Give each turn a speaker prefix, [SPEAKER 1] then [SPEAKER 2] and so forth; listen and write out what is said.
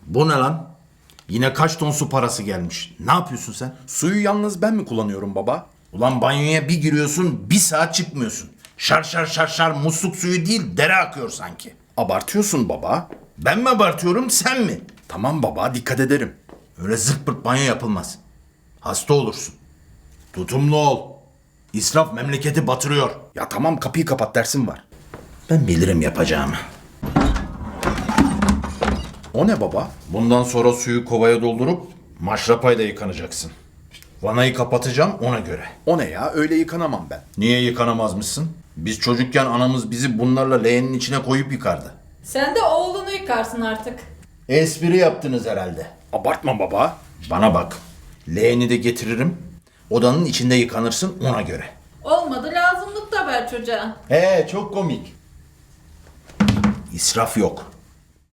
[SPEAKER 1] Bu ne lan? Yine kaç ton su parası gelmiş. Ne yapıyorsun sen?
[SPEAKER 2] Suyu yalnız ben mi kullanıyorum baba?
[SPEAKER 1] Ulan banyoya bir giriyorsun, bir saat çıkmıyorsun. Şar şar şar şar musluk suyu değil, dere akıyor sanki.
[SPEAKER 2] Abartıyorsun baba.
[SPEAKER 1] Ben mi abartıyorum, sen mi?
[SPEAKER 2] Tamam baba, dikkat ederim.
[SPEAKER 1] Öyle zırt pırt banyo yapılmaz. Hasta olursun. Tutumlu ol. İsraf memleketi batırıyor.
[SPEAKER 2] Ya tamam, kapıyı kapat, dersim var.
[SPEAKER 1] Ben bilirim yapacağımı.
[SPEAKER 2] O ne baba?
[SPEAKER 1] Bundan sonra suyu kovaya doldurup maşrapayla yıkanacaksın. Vanayı kapatacağım ona göre.
[SPEAKER 2] O ne ya? Öyle yıkanamam ben.
[SPEAKER 1] Niye yıkanamazmışsın? Biz çocukken anamız bizi bunlarla leğenin içine koyup yıkardı.
[SPEAKER 3] Sen de oğlunu yıkarsın artık.
[SPEAKER 1] Espri yaptınız herhalde.
[SPEAKER 2] Abartma baba.
[SPEAKER 1] Bana bak. Leğeni de getiririm. Odanın içinde yıkanırsın ona göre.
[SPEAKER 3] Olmadı lazımlık da ver çocuğa.
[SPEAKER 1] Çok komik. İsraf yok.